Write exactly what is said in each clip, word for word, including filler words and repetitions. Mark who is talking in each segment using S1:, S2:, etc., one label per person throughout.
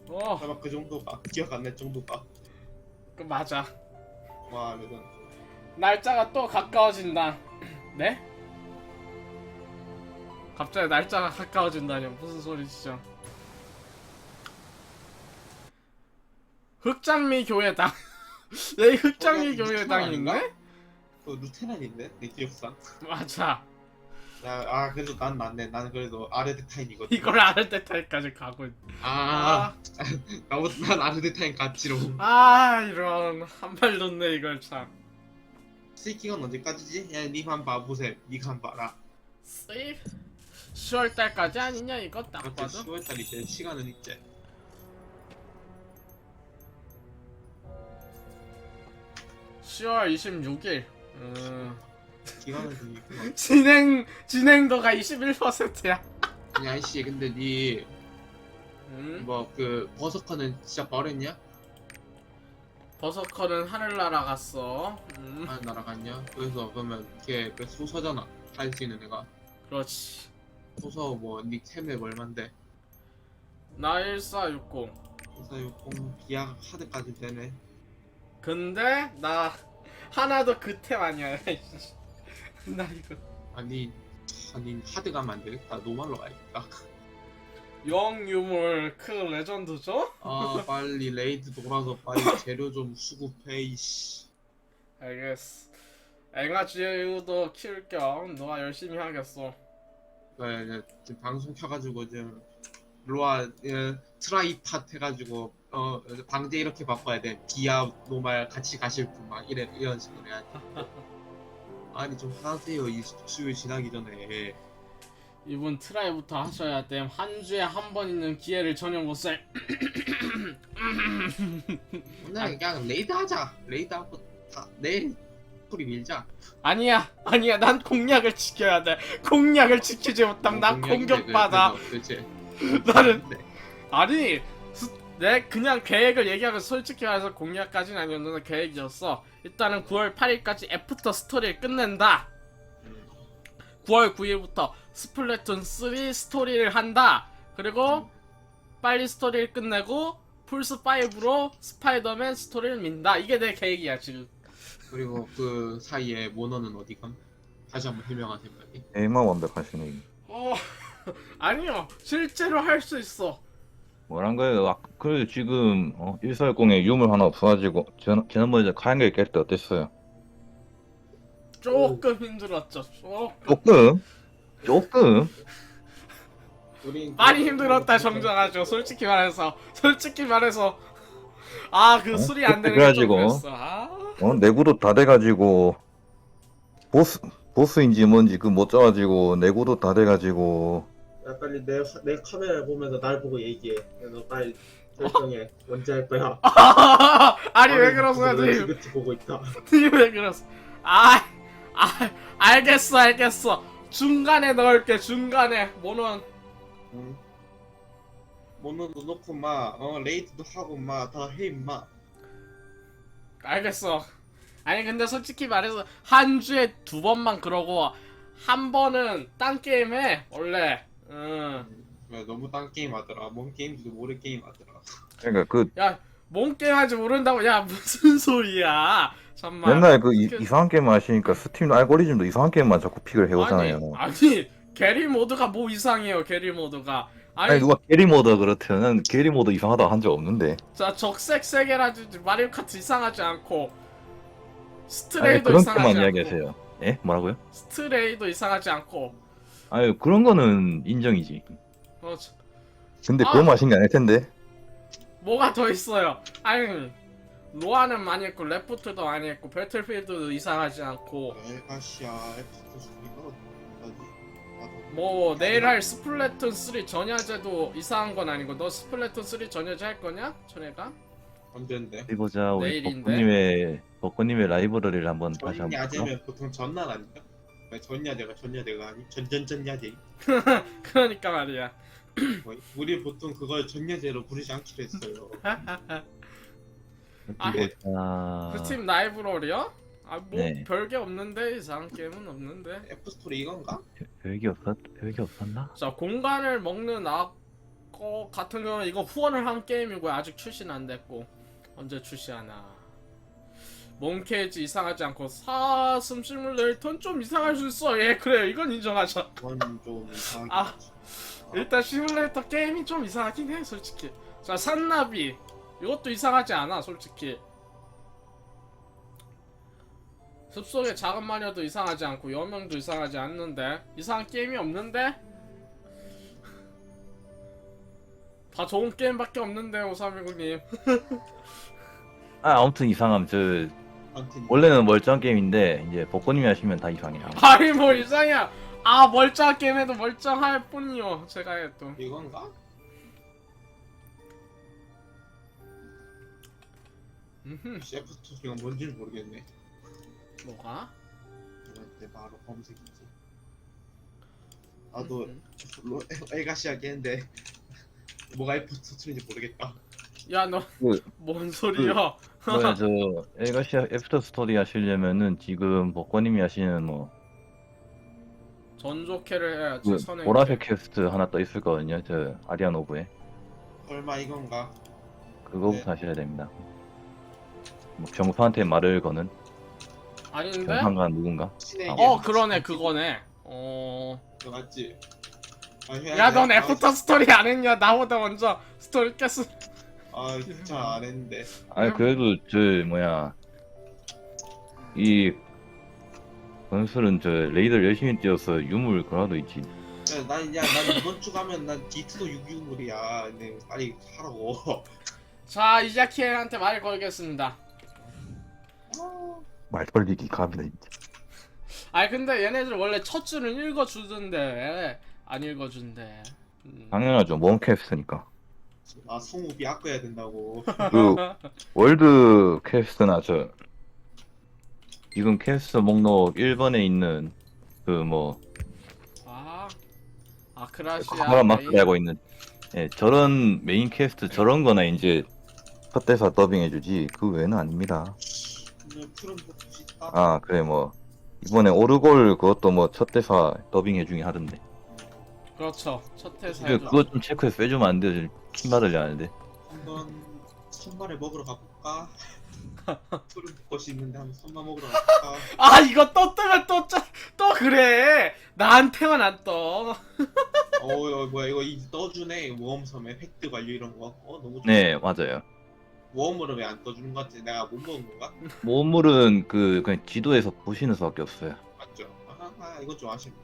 S1: 어,
S2: 아마 그 정도가 기억 안 날 정도가.
S1: 그 맞아.
S2: 와 이건
S1: 날짜가 또 가까워진다. 네? 갑자기 날짜가 가까워진다뇨. 무슨 소리시죠? 흑장미 교회당. 여기 흑장미
S2: 거기
S1: 교회당
S2: 아닌가?
S1: 있네?
S2: 그 루테란인데 내 기억상.
S1: 맞아.
S2: 야, 아 그래도 난 낫네. 나는 그래도 아르데타인이거든.
S1: 이걸 아르데타이까지 가고 있...
S2: 아, 나보다 난 아르데타인 같지로.
S1: 아 이런 한발 놓네 이걸 참.
S2: 스위킹은 언제까지지? 야, 니만 봐보세요. 니가 한 봐라.
S1: 세이브 시월달까지 아니냐 이거 딱
S2: 그렇게
S1: 봐도.
S2: 시월달이 제 시간은 있지.
S1: 시월 이십육일. 음...
S2: 기간은 좀 있구나.
S1: 진행 진행도가 이십일 퍼센트야.
S2: 아니 아이씨 근데 니
S1: 음?
S2: 뭐 그 버서커는 진짜 버렸냐?
S1: 버서커는 하늘나라 갔어. 음.
S2: 아 날아갔냐? 그래서 그러면 걔 그 소서잖아. 할 수 있는 애가.
S1: 그렇지.
S2: 소서 뭐니 템맵 얼만데?
S1: 나 일사육공.
S2: 그래서 요공 비약 하드까지 되네.
S1: 근데 나 하나도 그템 아니야. 나 이거
S2: 아니 아니 하드 가면 안 되겠다. 노말로 가야겠다.
S1: 영유물 크 레전드죠?
S2: 아 빨리 레이드 돌아서 빨리 재료 좀 수급해 이씨.
S1: 알겠어. 앵아지우도 키울 겸 너가 열심히 하겠어.
S2: 네, 네, 지금 방송 켜가지고 지금 로아 예, 트라이팟 해가지고 어 방제 이렇게 바꿔야 돼. 비아 노말 같이 가실 분 막 이래 이런 식으로 해야지. 아니 좀 하세요 이 수요 지나기 전에.
S1: 이분 트라이부터 하셔야 됨. 한 주에 한 번 있는 기회를 전혀 못 살.
S2: 오늘 그냥 레이드 하자. 레이드 하고 다 내일 소리 밀자.
S1: 아니야, 아니야. 난 공약을 지켜야 돼. 공약을 지키지 못하면 난 공격받아.
S2: 그렇지.
S1: 나는 아니, 수, 내 그냥 계획을 얘기하면 솔직히 말해서 공약까지는 아니었는데 계획이었어. 일단은 구월 팔일까지 애프터 스토리를 끝낸다. 구월 구일부터 스플래툰 쓰리 스토리를 한다. 그리고 빨리 스토리를 끝내고 플스 파이브로 스파이더맨 스토리를 민다. 이게 내 계획이야 지금.
S2: 그리고 그 사이에 모너는 어디감? 다시 한번 해명하세요 빨리.
S3: 에이만 완벽하시네.
S1: 어 아니요 실제로 할 수 있어.
S3: 뭐란 거예요? 아, 그래도 지금 어, 일사육공에 유물 하나 없어가지고 전, 지난번에 카인걸 깰 때 어땠어요?
S1: 조금 힘들었죠. 조금
S3: 조금? 조금?
S2: 우린
S1: 많이 힘들었다 정정하죠. 솔직히 말해서 솔직히 말해서 아 그
S3: 어?
S1: 술이 안 되는 게 좀
S3: 그래가지고
S1: 그랬어. 아
S3: 어, 내구도 다 돼가지고 보스 보스인지 뭔지 그 못 짜가지고 내구도 다 돼가지고
S2: 야 빨리 내, 내 카메라 보면서 날 보고 얘기해. 너 빨리 결정해. 언제 할 거야?
S1: 아니 왜 그러세요 님?
S2: 지긋지 보고 있다.
S1: 님 왜 그러세요? 아, 아 알겠어 알겠어. 중간에 넣을게 중간에 모노는
S2: 응. 모노도 놓고 막 어, 레이드도 하고 막 다 해 임마.
S1: 알겠어. 아니 근데 솔직히 말해서 한 주에 두 번만 그러고 한 번은 딴 게임 해 원래. 응.
S2: 야, 너무 딴 게임 하더라. 뭔 게임인지도 모르 게임 하더라.
S3: 그러니까 그
S1: 야뭔 게임 하지 모른다고. 야 무슨 소리야. 잠만.
S3: 맨날 그 이,
S1: 그-
S3: 이상한 게임만 하시니까 스팀 알고리즘도 이상한 게임만 자꾸 픽을 해오잖아요.
S1: 아니, 아니 게리 모드가 뭐 이상해요 게리 모드가. 아니,
S3: 아니 누가 게리 모드 그렇대요. 난 게리 모드 이상하다 한 적 없는데.
S1: 자 적색 세계라든지 마리오 카트 이상하지 않고
S3: 아니
S1: 스트레이도
S3: 그런
S1: 이상하지
S3: 게만
S1: 않고
S3: 이야기하세요. 예? 뭐라고요?
S1: 스트레이도 이상하지 않고
S3: 아니 그런 거는 인정이지.
S1: 어, 저-
S3: 근데
S1: 아.
S3: 그거 마신 게 아닐 텐데.
S1: 뭐가 더 있어요. 아니 로아는 많이 했고 레프트도 많이 했고 배틀필드도 이상하지 않고
S2: 엘가시아 에프터 소리가 어디?
S1: 뭐 내일 할 스플래툰 쓰리 전야제도 이상한 건 아니고. 너 스플래툰 쓰리 전야제 할 거냐? 전에가?
S2: 언제인데?
S3: 어디 보자. 우리
S1: 내일인데?
S3: 벚꽃님의 벚꽃님의 라이브러리를 한번 다시 한번 볼까?
S2: 전야제면 보통 전날 아닌가? 왜 전야제가 전야제가 아니? 전전전야제.
S1: 그러니까 말이야.
S2: 뭐, 우리 보통 그걸 전야제로 부르지 않기로 했어요.
S1: 아,
S3: 어디 보자.
S1: 그 팀 라이브러리요? 아 뭐
S3: 네.
S1: 별게 없는데 이상한 게임은 없는데.
S2: 애프스토리 이건가?
S3: 별게 없었 별게 없었나?
S1: 자 공간을 먹는 악 이거 같은 경우는 이거 후원을 한 게임이고 아직 출시는 안 됐고 언제 출시하나. 몽케이지 이상하지 않고 사슴 시뮬레이터는 좀 이상할 수 있어. 예 그래요 이건 인정하죠.
S2: 그건 좀 이상하긴
S1: 아,
S2: 하지. 아,
S1: 일단 시뮬레이터 게임이 좀 이상하긴 해 솔직히. 자 산나비 이것도 이상하지 않아 솔직히. 숲속의 작은 마녀도 이상하지 않고 여명도 이상하지 않는데 이상한 게임이 없는데? 다 좋은 게임밖에 없는데 오삼일구님.
S3: 아 아무튼 이상함. 저
S2: 아무튼
S3: 원래는 멀쩡한 게임인데 이제 복권님이 하시면 다 이상해요.
S1: 아니 뭐 이상이야. 아 멀쩡한 게임에도 멀쩡할 뿐이요 제가 해도.
S2: 이건가?
S1: 음흠.
S2: 셰프 스토리가 뭔지는 모르겠네.
S1: 뭐가?
S2: 이건데 바로 검색이지. 나도
S1: 음흠.
S2: 로- 엘가시 하겠는데 뭐가 F 스토리인지 모르겠다.
S1: 야 너 뭔
S3: 그,
S1: 소리야?
S3: 뭐야 저 엘가시아 애프터 스토리 하시려면은 지금 복권님이 하시는 뭐
S1: 전조캐를 해야지
S3: 그
S1: 선행.
S3: 보라색 퀘스트 하나 떠 있을 거거든요. 저 아리안 오브에
S2: 설마 이건가?
S3: 그거부터
S2: 네.
S3: 하셔야 됩니다. 뭐 병수한테 말을 거는
S1: 아닌데?
S3: 병상가 누군가?
S2: 신에게
S1: 어 그러네 그거네. 어.
S2: 너 맞지? 아, 해야
S1: 야
S2: 돼.
S1: 넌
S2: 아,
S1: 애프터 스토리 안 했냐? 나보다 먼저 스토리 깼어.
S2: 아 진짜 안 했는데.
S3: 아니 그래도 저 뭐야 이 건술은 저 레이더를 열심히 뛰어서 유물 그라도 있지.
S2: 야, 난, 야, 난 이번 주 가면 난 디트도 육육물이야. 근데 빨리 하라고.
S1: 자 이자키한테 말 걸겠습니다.
S3: 말 돌리기 갑이다 진짜.
S1: 아니 근데 얘네들 원래 첫 줄은 읽어주던데 왜 안 읽어준대. 음.
S3: 당연하죠. 몬 퀘스트니까.
S2: 아, 성우비 아껴야 된다고.
S3: 그 월드 퀘스트나 저 지금 퀘스트 목록 일 번에 있는 그 뭐
S1: 아 아크라시아
S3: 카메라 마크
S1: 메인.
S3: 달고 있는 예, 저런 메인 퀘스트 저런 거나 이제 첫 대사 더빙 해주지 그 외에는 아닙니다.
S2: 오늘 푸른 보고 싶다.
S3: 아 그래 뭐 이번에 오르골 그것도 뭐 첫 대사 더빙 해주긴 하던데.
S1: 그렇죠 첫
S3: 그
S1: 회사에도.
S3: 그거 좀 체크해서 빼주면 안 돼요. 킴 받으려 하는데.
S2: 한번 선발을 먹으러 가볼까? 푸른 벚꽃이 있는데 한번 선발 먹으러 가볼까?
S1: 아 이거 또 뜨면 또 또 그래. 나한테만 안 떠.
S2: 어, 어 뭐야 이거 이 떠주네. 모험섬에 획득 완료 이런 거. 어 너무 좋아.
S3: 네 맞아요.
S2: 모험으로 왜 안 떠주는 것 같지? 내가 못 먹은 건가?
S3: 모물은 그 그냥 지도에서 보시는 수밖에 없어요.
S2: 맞죠? 아, 아 이거 좀 아쉽네.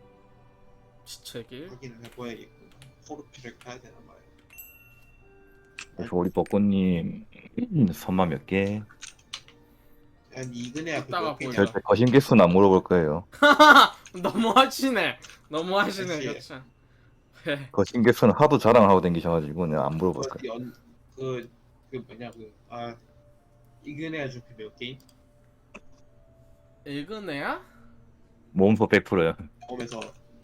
S1: 시체길.
S2: 확인을 해봐야겠구나. 포르피를 가야 되나 말이야.
S3: 그래서 우리 벚꽃님 선마 몇 개?
S2: 한 이근해야
S1: 이따가
S2: 그거
S1: 보자.
S3: 절대 거신 개수는 안 물어볼 거예요.
S1: 너무하시네. 너무하시네.
S2: 그치.
S1: 그렇죠. 네.
S3: 거신 개수는 하도 자랑하고 댕기셔가지고 내가 안 물어볼 거예요.
S2: 그, 연, 그, 그 뭐냐 그, 아 이근해야 좀 몇 게임?
S1: 읽은 애야?
S3: 몸소 백 퍼센트요.
S2: 보면서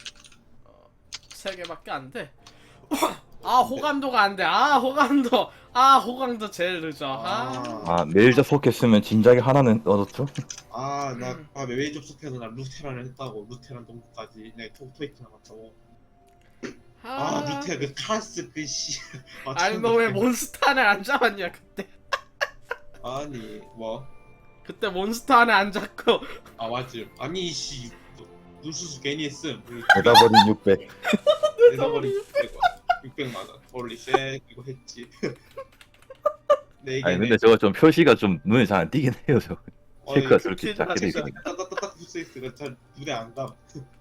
S1: 세 개밖에 안 돼. 아 호감도가 안 돼. 아 호감도. 아 호감도 제일 늦어. 아.
S3: 아 매일 접속했으면 진작에 하나는 얻었죠?
S2: 아나 아, 왜 접속해서 나 루테란을 했다고 루테란 동부까지 내 토, 토이트 나갔다고. 아 루테 그 카스 그씨
S1: 아니 너 왜 몬스터 안에 안 잡았냐 그때?
S2: 아니 뭐?
S1: 그때 몬스터 안에 안 잡고.
S2: 아 맞지. 아니 씨 눈수수 괜히 했음.
S3: 내다버린 육백.
S2: 내다버린 육백만 원. 홀리 쉣 이거 했지. 네
S3: 아니
S2: 개네.
S3: 근데 저거 좀 표시가 좀 눈에 잘 안 띄긴 해요. 저거. 체크가 저렇게
S1: 진짜
S3: 작게 돼
S2: 진짜
S3: 있으니까.
S2: 따따따딱 붙어있으니까 잘 눈에 안 감.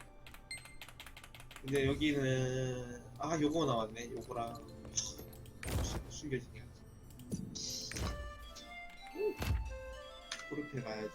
S2: 근데 여기는 아 요거 나왔네. 요거랑 숨겨지게 그렇게 가야지.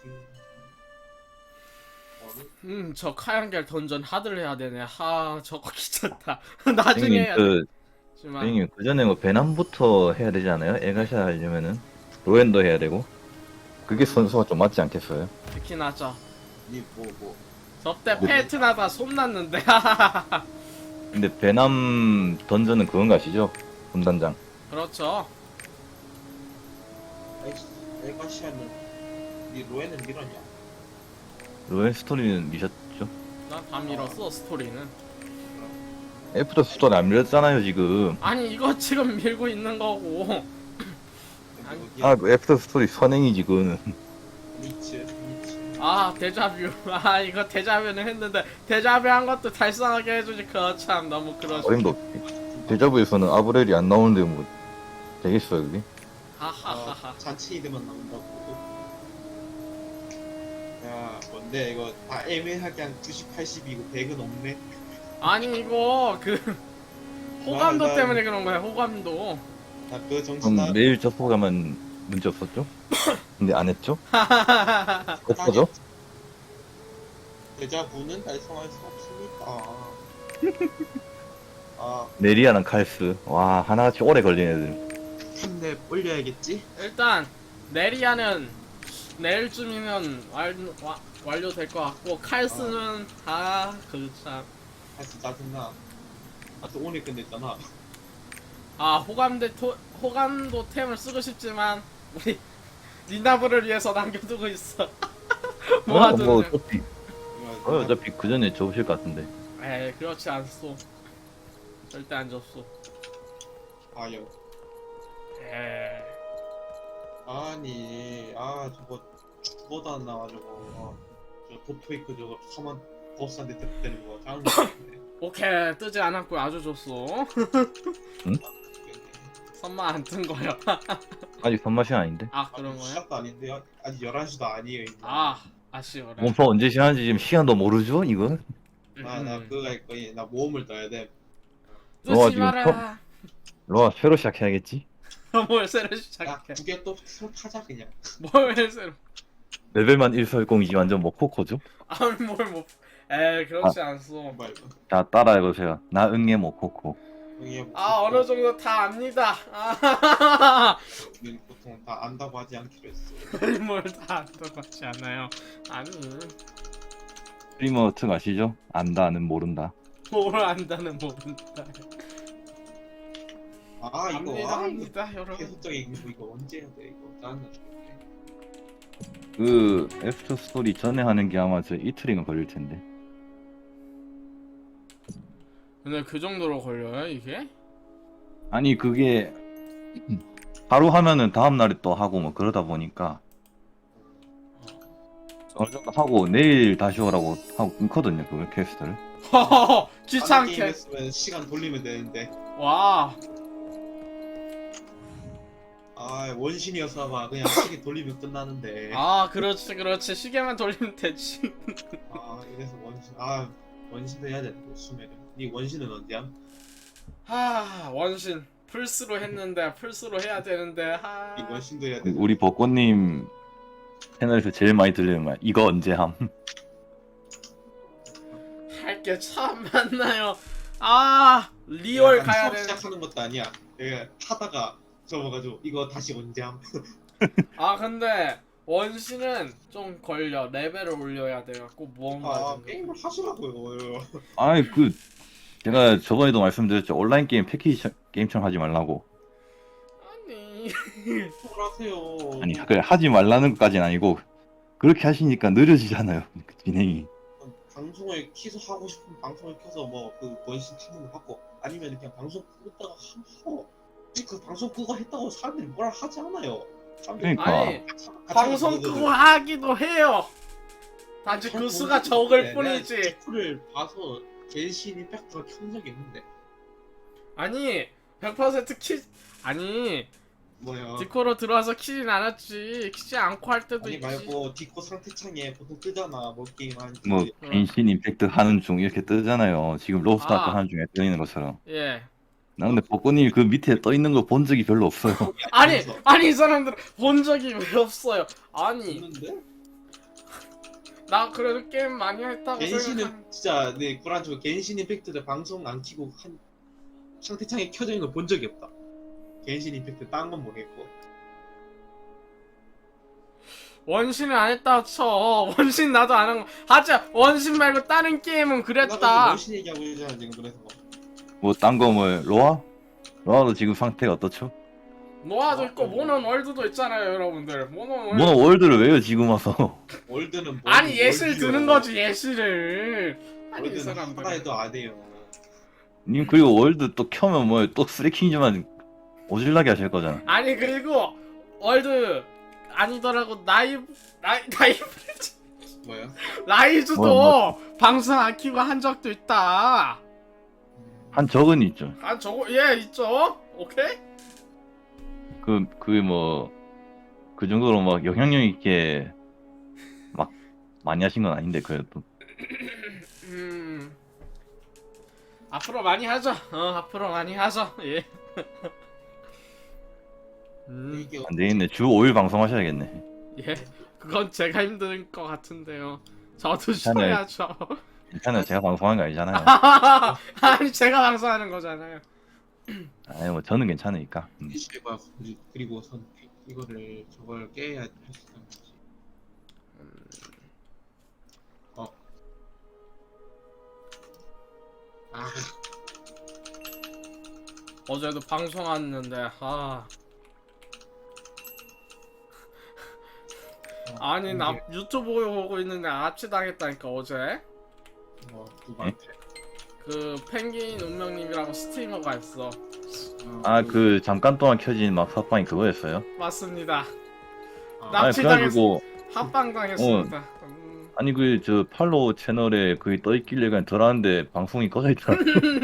S2: 어느?
S1: 음저 카양겔 던전 하드를 해야 되네. 하 저거 귀찮다. 나중에
S3: 선생님
S1: 해야
S3: 그
S1: 되지만.
S3: 선생님 그 전에 뭐 배남부터 해야 되지 않아요? 에가샤 하려면은 로엔도 해야 되고 그게 선수가 좀 맞지 않겠어요?
S1: 특히 나죠.
S2: 이뭐 뭐.
S1: 저때
S3: 뭐-
S1: 페이트나다 손났는데.
S3: 근데 배남 던전은 그건 가시죠? 분단장.
S1: 그렇죠.
S2: 에가시아는 이 로에는 밀었냐?
S3: 로엔 스토리는 미셨죠?
S1: 난 다 밀었어 스토리는.
S3: 애프터 스토리 안 밀었잖아요 지금.
S1: 아니 이거 지금 밀고 있는 거고. 아니,
S3: 아 그 애프터 스토리 선행이지 그거는.
S2: 리치 리치.
S1: 아 데자뷰. 아 이거 데자뷰는 했는데 데자뷰 한 것도 달성하게 해주지. 그거 참 너무 그러지.
S3: 어림도 없지. 데자부에서는 아브렐이 안 나오는데 뭐 되겠어요 그게?
S1: 하하하하.
S2: 아, 잔치 이름만 나온다고. 야 뭔데 이거 다 애매하게 한 구십, 팔십이고 백은 없네.
S1: 아니 이거 그 호감도
S2: 나- 나-
S1: 때문에 그런 거야. 호감도.
S2: 나 그 정신
S3: 그럼
S2: 나.
S3: 매일 접속하면 문제 없었죠? 근데 안 했죠? 없어져?
S2: 데자부는 달성할 수 없으니까. 아
S3: 네리아랑 칼스. 와 하나같이 오래 걸린 애들.
S2: 템랩 올려야겠지?
S1: 일단 내리아는 내일쯤이면 완, 와, 완료될 것 같고 칼스는 아그참
S2: 사실 짜증나. 아또 오늘 끝냈잖아.
S1: 아 호감대 토, 호감도 템을 쓰고 싶지만 우리 니나브를 위해서 남겨두고 있어.
S3: 어, 뭐
S1: 모아두는.
S3: 어차피 어, 어차피 그 전에 접으실 것 같은데.
S1: 에이 그렇지 않소. 절대 안 접소.
S2: 아요.
S1: 에이.
S2: 아니 아 저거 죽어도 안 나와가지고 어, 저 도토이크 저거 서만 버스한테 대표되는 거 짜증나.
S1: 오케이 뜨지 않았고 아주 좋소.
S3: 응?
S1: 선만 안 뜬 거야.
S3: 아직 손맛이 아닌데.
S1: 아 그런 거야?
S2: 시작도 아닌데 아직 열한 시도 아니에요. 이제.
S1: 아 아쉬워라.
S3: 몸파 언제 시작하는지 지금 시간도 모르죠 이건?
S2: 아, 나
S1: 음.
S2: 그거 할 거야. 나 모험을 떠야 돼.
S3: 너가
S1: 뜨지
S3: 지금
S1: 마라.
S3: 로아 새로 시작해야겠지?
S1: 뭘 새로
S2: 야,
S1: 시작해.
S2: 두 개 또 서로 타자 그냥.
S1: 뭘 새로.
S3: 레벨만 일설공이지 완전 뭐 모코코죠?
S1: 아니 뭘뭐 에이 그렇지 않소.
S2: 말고.
S3: 자 따라해보세요. 나 응애 모코코.
S2: 여기 뭐
S1: 아 어느 정도 다 압니다. 아
S2: 우리는 보통 다 안다고 하지 않기로 했어.
S1: 뭘다 안다고 하지 않아요. 아니
S3: 스트리머 특 아시죠? 안다는 모른다.
S1: 뭘 안다는 모른다.
S2: 아 이거
S1: 압니다
S2: 아 이거
S1: 압니다 여러분.
S2: 계속적인 거 이거 언제 해야 돼 이거 나는
S3: 그 애프터 스토리 전에 하는 게 아마 저 이틀인가 걸릴 텐데.
S1: 근데 그 정도로 걸려요 이게?
S3: 아니 그게 하루 하면은 다음 날에 또 하고 뭐 그러다 보니까 어느 정도 하고 내일 다시 오라고 하고 끊거든요 그 퀘스트를.
S1: 허허허
S2: 게임
S1: 귀찮게.
S2: 했으면 시간 돌리면 되는데
S1: 와
S2: 아 원신이어서 막 그냥 시계 돌리면 끝나는데
S1: 아 그렇지 그렇지 시계만 돌리면 되지.
S2: 아 이래서 원신 아 원신도 해야 되는데 수메르 니 원신은 언제야?
S1: 하 원신 플스로 했는데 플스로 해야 되는데 하.
S2: 니 원신도 해야 돼.
S3: 우리 벚꽃님 채널에서 제일 많이 들리는 말 이거 언제 함?
S1: 할 게 참 많나요. 아 리얼 가야
S2: 수업
S1: 돼.
S2: 시작하는 것도 아니야. 내가 하다가 접어가지고 이거 다시 언제 함?
S1: 아 근데 원신은 좀 걸려. 레벨을 올려야 돼갖고 뭔가
S2: 아
S1: 좀.
S2: 게임을 하시라고요.
S3: 아이 그 제가 저번에도 말씀드렸죠 온라인 게임 패키지 게임처럼 하지 말라고.
S1: 아니
S2: 뭘 하세요.
S3: 아니 그래 하지 말라는 것까지는 아니고 그렇게 하시니까 느려지잖아요 그 진행이.
S2: 방송을 키서 하고 싶으면 방송을 켜서 뭐 그 원신 타는 거 받고 아니면 그냥 방송 끄다가 하고 그 방송 끄고 했다고 사람들이 뭐라 하지 않아요. 사람들이
S3: 그러니까.
S1: 아니
S2: 같이
S1: 방송
S2: 하거든.
S1: 끄고 하기도 해요. 단지 그 수가 적을 뿐이지.
S2: 디코를 봐서 겐신 임팩트가 켠 적이 있는데
S1: 아니 백 퍼센트 키 아니
S2: 뭐야
S1: 디코로 들어와서 키진 않았지. 키지 않고 할 때도
S2: 아니
S1: 있지.
S2: 말고 디코 상태창에 보통 뜨잖아 뭐 게임 하는지
S3: 뭐
S1: 어.
S3: 갱신 임팩트 하는 중 이렇게 뜨잖아요. 지금 로스트
S1: 아.
S3: 아까 하는 중에 떠 있는 것처럼.
S1: 예.
S3: 나 근데 벚꽃님 그 밑에 떠 있는 거 본 적이 별로 없어요.
S1: 아니 아니 이 사람들 본 적이 왜 없어요. 아니
S2: 있는데
S1: 나 그래도 게임 많이 했다고 생각한.
S2: 겐신은 진짜 네 구란치고 겐신 임팩트를 방송 안 키고 한 상태창에 켜져 있는 거 본 적이 없다. 겐신 임팩트 딴 건 모르겠고
S1: 원신은 안 했다 쳐. 원신 나도 안 한 거. 하자 원신 말고 다른 게임은
S2: 나 지금
S1: 그랬다.
S2: 원신 얘기하고 있잖아 지금 그래서
S3: 뭐 딴 거 뭐 로아? 로아도 지금 상태가 어떻죠?
S1: 노아도 있고 모논 월드도 있잖아요 여러분들. 모논 월드.
S3: 뭐 월드를 왜요 지금 와서?
S2: 월드는 뭐
S1: 아니 예실
S2: 월드요.
S1: 드는 거지 예실을. 아니 이
S2: 월드는
S1: 사람들.
S2: 하나 해도 안 해요.
S3: 님 그리고 월드 또 켜면 뭐 또 쓰레킹즈만 오질나게 하실 거잖아.
S1: 아니 그리고 월드 아니더라고 나이 나이 나이
S2: 뭐야?
S1: 라이즈도
S3: 뭐,
S1: 방송 안 키고 한 적도 있다.
S3: 한 적은 있죠.
S1: 아 저거 예 있죠. 오케이.
S3: 그 그 뭐 그 정도로 막 영향력 있게 막 많이 하신 건 아닌데 그래도.
S1: 음 앞으로 많이 하죠. 어 앞으로 많이 하죠. 예. 음,
S2: 이게
S3: 안 되겠네. 주 오 일 방송하셔야겠네.
S1: 예. 그건 제가 힘든 것 같은데요. 저도
S3: 괜찮아요.
S1: 쉬어야죠.
S3: 괜찮아요. 제가 방송하는 거 아니잖아요.
S1: 아니 제가 방송하는 거잖아요.
S3: 아니 뭐 저는 괜찮으니까. 음.
S2: 피시가 그리고 선 이거를 저걸 깨야 할 수 있는 거지. 어. 아,
S1: 어제도 방송했는데 아 아니 나 유튜브 보고 있는데 압치당했다니까 어제.
S2: 뭐 누구한테?
S1: 그 펭귄 운명님이라고 스트리머가 있어.
S3: 아 그 잠깐 동안 켜진 막 팟빵이 그거였어요?
S1: 맞습니다.
S2: 아,
S1: 나-
S3: 아니
S1: 납치당했-
S3: 그래가지고
S1: 합방 당했습니다. 음.
S3: 아니 그 저 팔로우 채널에 그게 떠 있길래 그냥 들어왔는데 방송이 꺼져 있더라.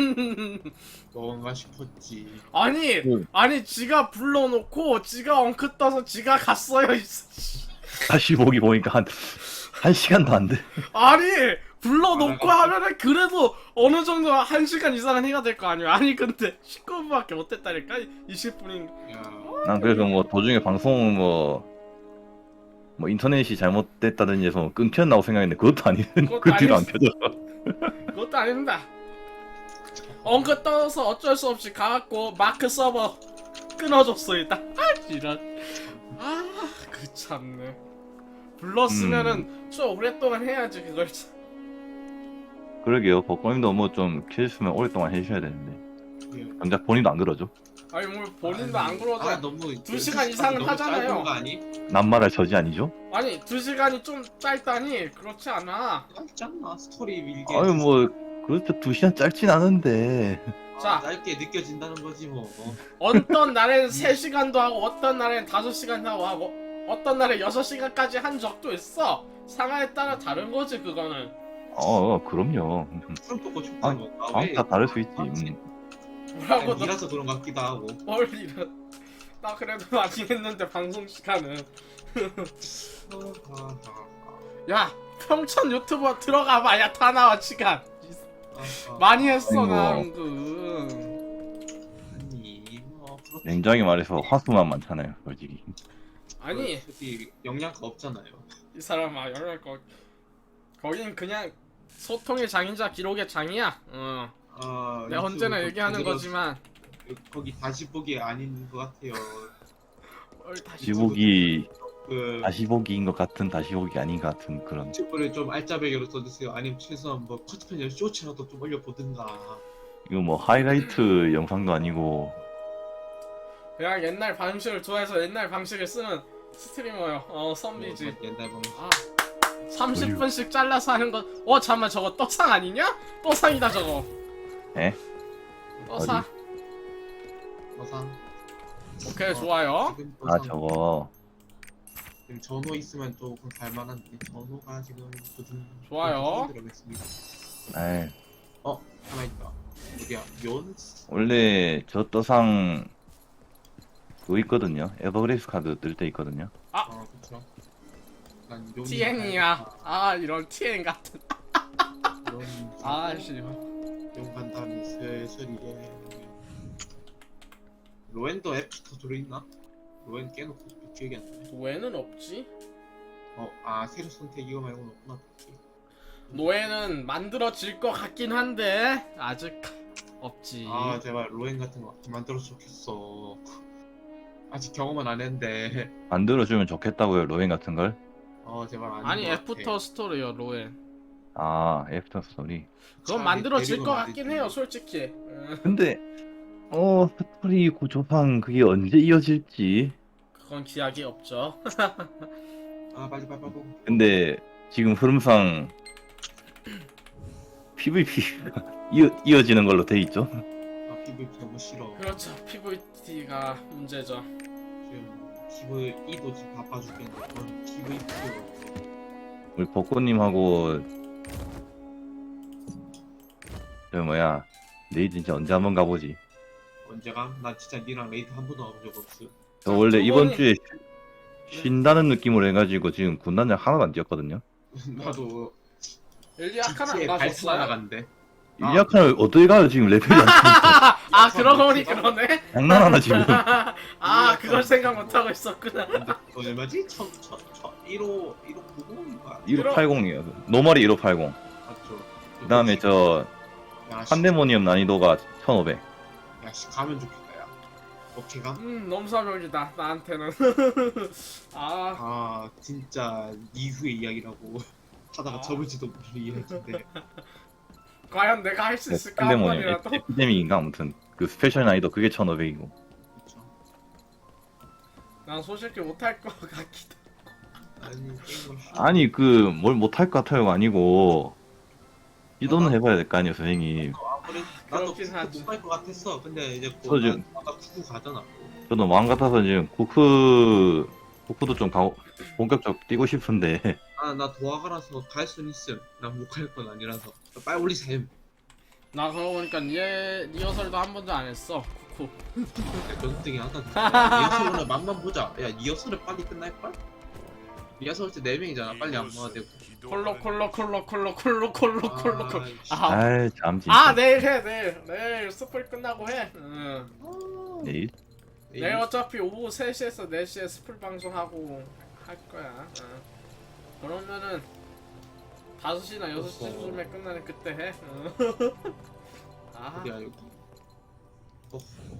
S2: 뭔가 싶었지.
S1: 아니
S3: 그-
S1: 아니 지가 불러놓고 지가 엉크 떠서 지가 갔어요. 이 씨.
S3: 다시 보기 보니까 한 한 시간도 안 돼.
S1: 아니 불러놓고
S2: 아,
S1: 하면은 그래도 어느 정도 한 시간 이상은 해야 될 거 아니야. 아니 근데 십구 분밖에 못 했다니까. 이십 분인.
S2: 야,
S3: 난 그래서 뭐 도중에 방송 뭐 뭐 인터넷이 잘못됐다든지 해서 끊겼나고 생각했는데 그것도 아니는
S1: 그것도
S3: 그 뒤로 안
S1: 아니었어.
S3: 켜져.
S1: 그것도 아닙니다. 엉크 떠서 어쩔 수 없이 가갖고 마크 서버 끊어줬어 일단. 아 이런. 아그 참네. 불렀으면은 좀 오랫동안 해야지 그걸. 참.
S3: 그러게요. 버거님도 뭐 좀 켜주시면 오랫동안 해주셔야 되는데
S2: 예.
S3: 정작 본인도 안 그러죠.
S1: 아니 뭐 본인도 안 그러죠.
S2: 아, 너무
S1: 두 시간 이상은
S2: 너무
S1: 하잖아요.
S2: 짧은 거 아니?
S3: 남말할 저지 아니죠?
S1: 아니 두 시간이 좀 짧다니 그렇지 않아.
S2: 짧잖아 스토리 밀게.
S3: 아유 뭐 그렇죠. 두 시간 짧진 않은데.
S1: 자.
S2: 아, 짧게 느껴진다는 거지 뭐.
S1: 어떤 날엔 세 시간도 하고 어떤 날엔 다섯 시간도 하고 하고 어떤 날엔 여섯 시간까지 한 적도 있어. 상황에 따라 다른 거지 그거는.
S3: 어, 어 그럼요.
S2: 그럼 또 고쳤다
S3: 아,
S2: 뭐.
S3: 아, 다 다를 수 있지. 음.
S1: 뭐라고 너
S2: 이라서 그런 것 같기도 하고.
S1: 뭘 이런. 나 그래도 많이 했는데 방송 시간은.
S2: 아,
S1: 야 평촌 유튜버 들어가 봐야 다 나와 시간.
S2: 아, 아,
S1: 많이 했어
S3: 아이고.
S1: 나 은근.
S2: 아니 뭐 그렇지.
S3: 냉정하게 말해서 화수만 많잖아요, 솔직히.
S1: 아니
S2: 솔직히 영양가 없잖아요.
S1: 이 사람아 열할 거. 거긴 그냥 소통의 장이자 기록의 장이야. 어.
S2: 아,
S1: 내가 언제나
S2: 유튜브
S1: 얘기하는
S2: 제대로
S1: 거지만
S2: 거기 다시 보기 아닌 것 같아요.
S1: 뭘 다시
S3: 다시 보기,
S2: 그
S3: 다시 보기인 것 같은 다시 보기 아닌 것 같은 그런.
S2: 유튜브를 좀 알짜배기로 써주세요. 아니면 최소한 뭐 커트편이나 쇼츠라도 좀 올려보든가.
S3: 이거 뭐 하이라이트 영상도 아니고.
S1: 그냥 옛날 방식을 좋아해서 옛날 방식을 쓰는 스트리머요. 어 선비지.
S2: 뭐 옛날 방식.
S1: 아 삼십 분씩 잘라서 하는 거. 어 잠만 저거 떡상 아니냐? 떡상이다 저거.
S3: 에?
S1: 떡상.
S2: 어상.
S1: 오케이 좋아요.
S2: 지금
S3: 아
S2: 어상.
S3: 저거
S2: 지금 전호 있으면 조금 갈만한데 전호가 지금 요즘
S1: 좋아요.
S2: 들어갔습니다.
S3: 에이,
S2: 어 하나 있다. 어디야? 연.
S3: 원래 저 떠상 그거 있거든요. 에버그레이스 카드 뜰 때 있거든요.
S2: 아 그렇죠. 약간 연.
S1: 티엔이야. 아 이런 티엔 같은.
S2: 연.
S1: 아씨.
S2: 연 간다음에 슬슬 이제 로엔도 애프터 들어있나? 로엔 깨놓고 기억이 안 나네.
S1: 노예는 없지.
S2: 어아 새로 선택 이거 말고는 없구나.
S1: 노예는 만들어질 것 같긴 한데 아직 없지.
S2: 아 제발 로엔 같은 거 만들어서 좋겠어. 아직 경험은 안 했는데.
S3: 만들어주면 좋겠다고요, 로엔 같은 걸.
S2: 어 제발 아닌
S1: 아니
S2: 것 같아.
S1: 애프터 스토리요 로엔.
S3: 아, 애프터 스토리.
S1: 그건
S2: 차라리
S1: 만들어질
S2: 데리고
S1: 것
S2: 말이지.
S1: 같긴 해요 솔직히. 음,
S3: 근데 어 스토리 구조상 그게 언제 이어질지.
S1: 그건 기약이 없죠.
S2: 아 빨리 빨리 빨리.
S3: 근데 지금 흐름상 피브이피 이어, 이어지는 걸로 돼 있죠.
S2: 아 피브이피 너무 싫어.
S1: 그렇죠. 피브이티가 문제죠.
S2: 지금 피브이도 지금 바빠 죽겠는데 그건 피브이피로
S3: 우리 벚꽃님하고 저 뭐야 레이드 진짜 언제 한번 가보지.
S2: 언제가? 나 진짜 니랑 레이드 한 번도 가본 적 없어.
S3: 저 원래 이번
S1: 저번에-
S3: 주에 쉬- 쉰다는 느낌으로 해가지고 지금 군단장 하나도 안 뛰었거든요.
S2: 나도
S1: 엘리아카는 안
S2: 지치에 발사
S1: 가셨어요?
S2: 나간대. 아.
S3: 일약하는 어떻게 가요 지금 레벨이 안 되니까.
S1: 아 그러고 보니 그러네.
S3: 장난하나 지금.
S1: 아 그걸 생각 못 하고 있었구나.
S2: 근데 그 얼마지? 천, 천, 천, 일호, 일호 구공인가?
S3: 일오팔공이에요. 노멀이 일오팔공.
S2: 맞죠.
S3: 그 다음에 저
S2: 야, 씨,
S3: 판데모니엄 난이도가 천오백.
S2: 야, 씨, 가면 좋겠다, 야. 오케이, 가?
S1: 음 넘사벽이다 나한테는. 아
S2: 아, 진짜, 이후의 이야기라고. 하다가
S1: 아.
S2: 접을지도 모르는 이야기인데.
S1: 과연 내가 할 수 있을까 한
S3: 판데모니엄
S1: 번이라도.
S3: 에피데믹인가 아무튼 그 스페셜 난이도 그게 천오백이고.
S2: 그쵸.
S1: 난 솔직히 못할 것 같기도.
S2: 아니, 게임을 하
S3: 아니 그 뭘 못할 것 같아요가 아니고 시도는 해봐야 될 거 아니에요 선생님.
S2: 아무래도 나도
S1: 그렇긴 하지.
S2: 못갈 것 같았어. 근데 이제
S3: 저
S2: 또
S3: 지금-
S2: 나, 나가 쿠쿠 가잖아.
S3: 저도 마음 같아서 지금 쿠크 쿠크도 좀 가고 본격적 뛰고 싶은데
S2: 아, 나 도화가라서 갈 순 있음. 나 못 갈 건 아니라서. 빨리 올리셈.
S1: 나 그러고 보니까 리 리허설도 한 번도 안 했어. 쿠쿠.
S2: 연등이 하다. 리허설은 맛만 보자. 야, 리허설은 빨리 끝날걸? 리허설 때 네 명이잖아. 빨리 안 모아야 되고.
S1: 콜로 콜로 콜로 콜로 콜로 콜로 콜로 콜로.
S2: 씨.
S1: 아,
S3: 아이 참 진짜.
S1: 아 내일 해 내일 내일 스플 끝나고 해. 응.
S3: 내일?
S1: 내일 어차피 오후 세 시에서 네 시에 스플 방송하고 할 거야. 응. 그러면은 다섯 시나 여섯 시쯤에 끝나는 그때 해. 응. 아.
S2: 어디야, 여기. 어,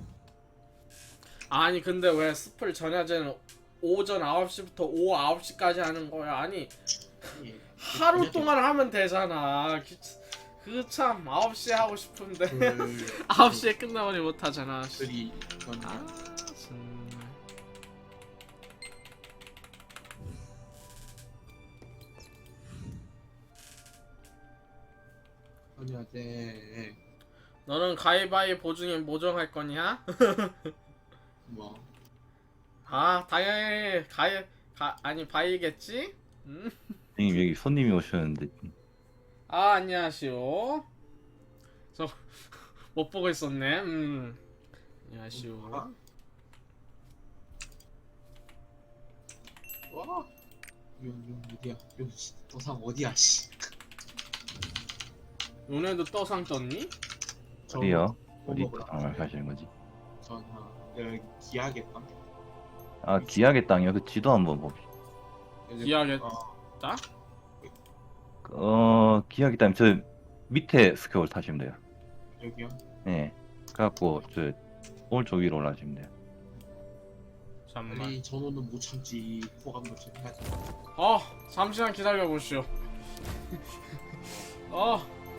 S1: 아니 근데 왜 스플 전야제는 오전 아홉 시부터 오후 아홉 시까지 하는 거야? 아니
S2: 예.
S1: 하루 동안 하면 되잖아. 그 참 아홉 시에 하고 싶은데
S2: 그,
S1: 아홉 시에 끝나버리 못 하잖아.
S2: 들이, 전,
S1: 아 정말.
S2: 아니야, 네.
S1: 너는 가위바위보 중에 모정할 거냐?
S2: 뭐.
S1: 아 당연히 가위 가 아니 바이겠지? 음?
S3: 선생님 여기 손님이 오셨는데
S1: 아 안녕하시오. 저 못 보고 있었네. 음. 안녕하시오.
S2: 아. 와. 요, 요, 어디야? 요, 씨, 도상 어디야, 씨.
S1: 너네도 떠상 떴니?
S2: 저-
S3: 어디요?
S2: 뭐
S3: 어디
S2: 먹으러
S3: 땅을 가시는 거지?
S2: 전, 아, 여기 기하겠다.
S3: 아 기약의 땅이요? 그 지도 한번 봅시다.
S1: 기하겠다?
S2: 어,
S3: 어 기약의 땅 저 밑에 스퀘어를 타시면 돼요.
S2: 여기요?
S3: 네. 그래갖고 저 오른쪽 위로 올라가시면 돼요.
S1: 잠만.
S2: 빨리 전원은 못 참지. 호감도 좀 해야 돼.
S1: 어 잠시만 기다려 보시오. 어.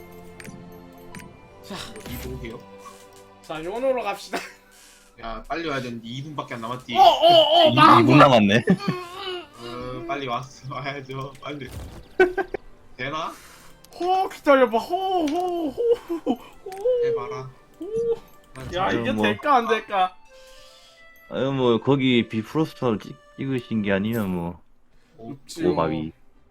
S1: 자,
S2: 이동해요.
S1: 자 요노로 갑시다.
S2: 야, 빨리 와야 되는데 이 분밖에 안 남았디.
S1: 어어어
S3: 이
S1: 망한
S3: 분
S1: 거야.
S3: 남았네.
S2: 어, 빨리 왔어. 와야죠. 빨리. 되나?
S1: 호 기다려봐. 호호호 호.
S2: 해봐라. 난
S1: 야
S2: 잘-
S1: 이게
S3: 뭐.
S1: 될까 안 될까?
S3: 아유 뭐 거기 비프로스터를 찍, 찍으신 게 아니면 뭐
S1: 없지.
S3: 오바위.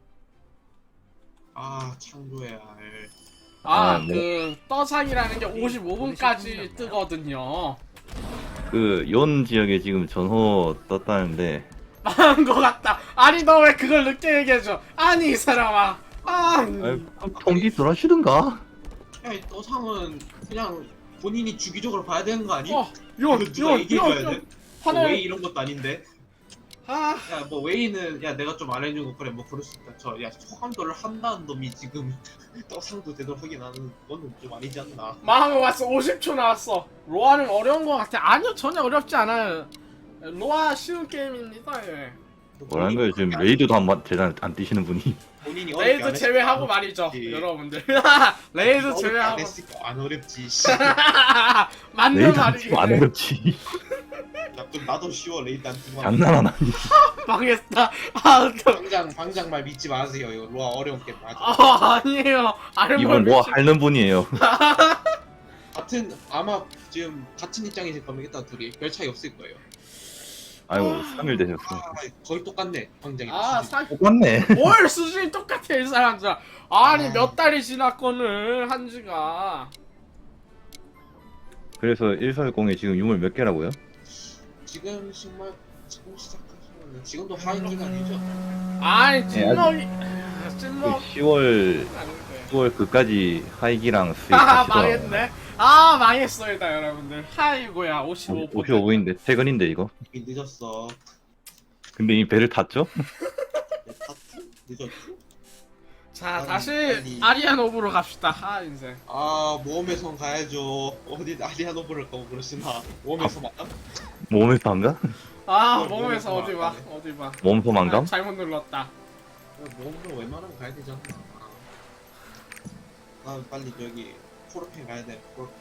S2: 아, 창조해야 할.
S3: 아,
S1: 아
S3: 뭐.
S1: 그 떠상이라는 게 오십오 분까지 뜨거든요.
S3: 그 연 지역에 지금 전호 떴다는데
S1: 망한 거 같다. 아니 너 왜 그걸 늦게 얘기해줘? 아니 이 사람아. 아.
S3: 아유, 그럼 통지 들어시든가.
S2: 야, 이 도상은 그냥 본인이 주기적으로 봐야 되는 거 아니?
S1: 어,
S2: 이거
S1: 연,
S2: 누가
S1: 연,
S2: 얘기해줘야
S1: 연,
S2: 돼?
S1: 연.
S2: 뭐 웨이
S1: 하늘.
S2: 이런 것도 아닌데.
S1: 아,
S2: 야, 뭐 웨이는 야 내가 좀 안 해주고 그래 뭐 그럴 수 있다. 저야 소감도를 한다는 놈이 지금 떡상도 되도록 하긴 하는 거는 좀 아니지 않나?
S1: 망한 거 같어. 오십 초 나왔어. 로아는 어려운 거 같아. 아니요, 전혀 어렵지 않아요. 로아 쉬운 게임입니다. 예.
S3: 뭐라는 거예요? 지금 레이드도 한번 제대로 안 뛰시는 분이.
S2: 본인이 어렵게 안
S1: 레이드
S2: 했으니까
S1: 제외하고
S2: 안
S1: 말이죠,
S2: 어렵지.
S1: 여러분들. 레이드
S2: 어렵게 안
S1: 제외하고.
S2: 했으니까 안 어렵지. 씨.
S1: 맞는
S3: 레이드 안
S1: 말이지.
S3: 뛰면 안 어렵지.
S2: 야, 좀 나도 쉬워 레이드 안 뜨고.
S3: 장난하나?
S1: 망했다. 아, 또.
S2: 방장 방장 말 믿지 마세요. 이거 로아 어려운 게 맞아.
S1: 아, 아니에요. 아는
S3: 이분
S1: 걸
S3: 뭐
S1: 믿지-
S3: 하는 분이에요.
S2: 같은 아마 지금 같은 입장이실 겁니다. 둘이 별 차이 없을 거예요.
S3: 아이고 삼 일 되셨어.
S2: 아 거의 똑같네 광장이.
S1: 아 사...
S3: 똑같네.
S1: 뭘 수준이 똑같아 이 사람들. 아니
S2: 아.
S1: 몇 달이 지났거늘 한지가.
S3: 그래서 일사육공에 지금 유물 몇 개라고요?
S2: 지금 정말 지금 시작하시면 지금도 하이 기간이죠.
S1: 아니
S3: 예,
S1: 찐먹이
S3: 그
S1: 찐먹
S3: 시월
S1: 아닌데.
S3: 시월 그까지 하이기랑 수익
S1: 아
S3: 같이 돌아.
S1: 망했네. 아 망했어이다 여러분들. 하이고야 오십오 퍼센트.
S3: 오십오 분인데 퇴근인데 이거.
S2: 이미 늦었어.
S3: 근데 이 배를 탔죠?
S2: 내 파트? 늦었지?
S1: 자
S2: 아니,
S1: 다시
S2: 아니.
S1: 아리아노브로 갑시다. 아 인생.
S2: 아 모험의 성 가야죠. 어디 아리아노브를 가고 그러시나? 모험의 성 맞나?
S3: 몸에서 한가?
S1: 아
S2: 뭘
S1: 몸에서
S2: 몸에서
S1: 어디 봐
S2: 안
S1: 어디 봐.
S3: 몸소
S1: 아,
S3: 만감?
S1: 잘못 눌렀다.
S2: 모험으로 웬만하면 가야 되잖아. 난 빨리 저기 코르페 가야 돼. 코르페.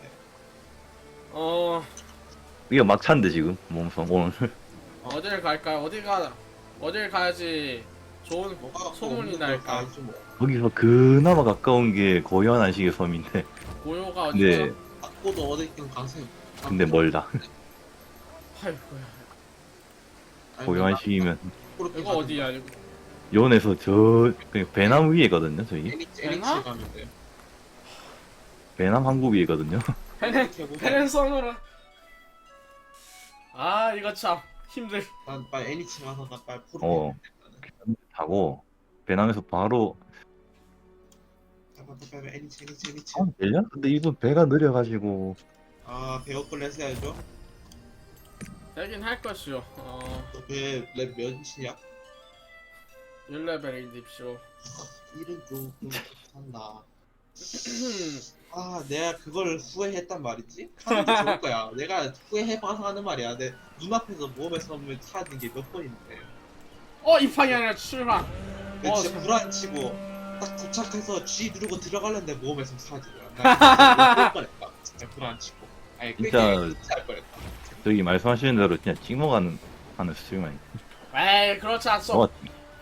S1: 어
S3: 이거 막차인데 지금 몸소 오늘.
S1: 어딜 갈까요? 어디가 어딜 가야지 좋은
S2: 뭐가
S1: 소문이
S2: 없는 걸
S1: 날까?
S2: 가야지 뭐.
S3: 거기서 그나마 가까운 게 고요한 안식의 섬인데.
S1: 고요가 어디죠?
S3: 근데
S2: 바꿔도 어디든 가세요.
S3: 근데 멀다.
S1: 아이고야.
S3: 고요한 시기면
S2: 코르페
S1: 이거 어디야 이거?
S3: 요원에서 저 그냥 배남 위에거든요 저희.
S2: 에닉스
S1: 되나?
S2: 에닉스 가면 돼.
S3: 배남 항구 위에거든요.
S1: 페렌
S2: 이렇게 해보자.
S1: 페렌선으로. 아 이거 참 힘들.
S2: 난 빨리 에닉스 가서 나 빨리 코르페.
S3: 어. 타고 배남에서 바로
S2: 빨리 빨리 빨리 에닉스 에닉스 에닉스.
S3: 아, 되냐? 근데 이분 배가 느려가지고
S2: 아 배역걸 했어야죠.
S1: 되긴 할 것이요. 어
S2: 너배랩 몇이야?
S1: 일 레벨이십시오.
S2: 일은 좀 한다. 아 내가 그걸 후회했단 말이지? 하는 게 좋을 거야. 내가 후회해봐서 하는 말이야. 내 눈앞에서 모험의 섬을 찾는 게 몇 번인데.
S1: 어 입항이 아니라 출항.
S2: 내가
S1: 어,
S2: 진짜
S1: 참.
S2: 불안치고 딱 도착해서 G 누르고 들어가려는데 모험의 섬 사라지더라. 나 진짜 울 뻔했다. 진짜 불안치고. 아니 그게
S3: 진짜-
S2: 진짜 할 뻔했다.
S3: 저기 말씀하시는 대로 그냥 찍먹하는 하는 스트리머니.
S1: 에이 그렇지 않소.
S3: 어,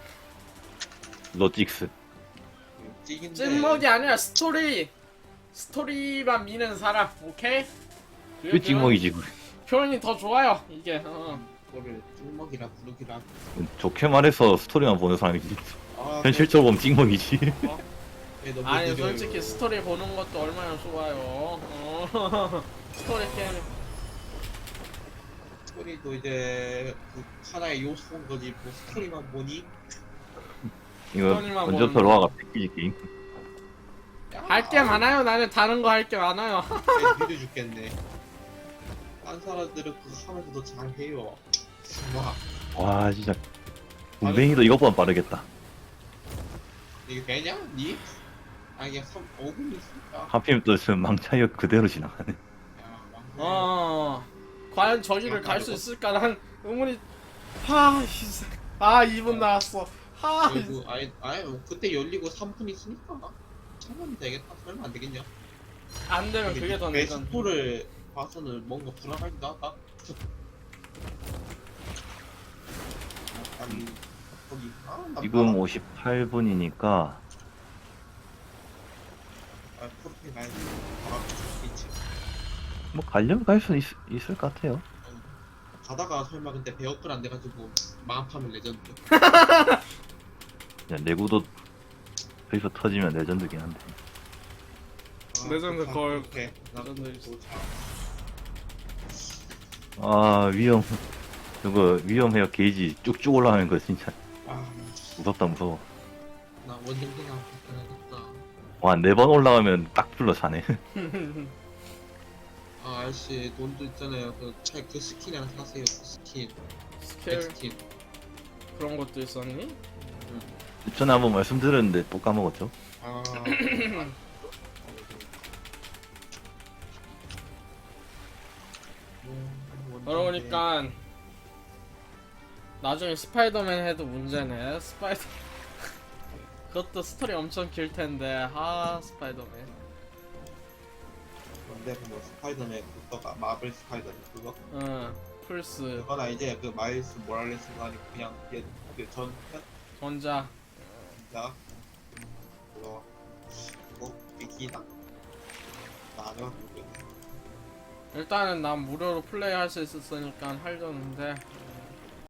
S3: 로직스.
S2: 찌긴데
S1: 찐먹이 아니라 스토리. 스토리만 미는 사람. 오케이?
S3: 그 찍먹이지.
S1: 표현이 더 좋아요 이게. 어.
S2: 그거를 찔먹이라 부르기라.
S3: 좋게 말해서 스토리만 보는 사람이지.
S2: 아,
S3: 현실적으로 보면 찍먹이지.
S2: 그래, 너무
S1: 아니
S2: 느려요.
S1: 솔직히 스토리 보는 것도 얼마나 좋아요. 어. 스토리 게임.
S2: 스토리도 이제 그 하나의 요소인 거지. 뭐 스토리만 보니
S3: 이거
S1: 스토리만
S3: 먼저서
S1: 보는
S3: 로아가 패키지 게임.
S1: 할 게 많아요. 나는 다른 거 할 게 많아요.
S2: 느려 죽겠네. 딴 사람들은 그거 하면서도 잘해요. 와
S3: 와 진짜 군뱅이도 이것보다 빠르겠다.
S2: 이게 되냐? 니? 아 이게 삼 오 분 있으니까.
S3: 하필 또 지금 망차이어 그대로 지나가네.
S2: 야, 왕래.
S1: 어. 과연 저기를 갈 수 있을까? 난 의문이. 하, 이- 아 이 분 나왔어. 하.
S2: 그리고 아예 아예 뭐 그때 열리고 삼 분 있으니까 참으면 되겠다. 설마 안 되겠냐?
S1: 안 되면 그게 더 늦은.
S2: 베스토를 봐서는 뭔가 불안하기도 하다. 약간 거기 아, 나
S3: 지금
S2: 봐.
S3: 오십팔 분이니까
S2: 아, 프로필 가야지. 아, 있지.
S3: 뭐 가려면 갈 수 있을 것 같아요.
S2: 가다가 설마 근데 배역글 안 돼가지고 마음파면 레전드.
S3: 그냥 내구도 여기서 터지면 레전드긴 한데.
S2: 아,
S1: 레전드
S2: 좋다.
S1: 걸.
S2: 오케이. 나
S1: 레전드
S2: 그거
S1: 있어.
S2: 좋다.
S3: 아 위험. 저거 위험해요. 게이지 쭉쭉 올라가는 거 진짜
S2: 아,
S3: 무섭다 무서워.
S2: 나 원정대나 불편하겠다.
S3: 와 네 번 올라가면 딱 불러 자네.
S2: 아, 아저씨 돈도 있잖아요. 그, 차- 그 스킨 하나 사세요. 그 스킨.
S1: 스킬
S2: 백스킨.
S1: 그런 것도 있었니?
S3: 전에 한번 말씀드렸는데 또 까먹었죠.
S2: 아. 음,
S1: 그러니까 나중에 스파이더맨 해도 문제네. 스파이더. 그것도 스토리 엄청 길 텐데. 아 스파이더맨.
S2: 근데 뭐 스파이더맨 그거가 마블 스파이더맨 그거
S1: 응. 플스
S2: 그거나 이제 그 마일스 모랄레스가 아니고 그냥 얘 그전
S1: 전자.
S2: 진짜 그거 그거 비키나 나가 모르겠네.
S1: 일단은 난 무료로 플레이할 수 있었으니까 하려는데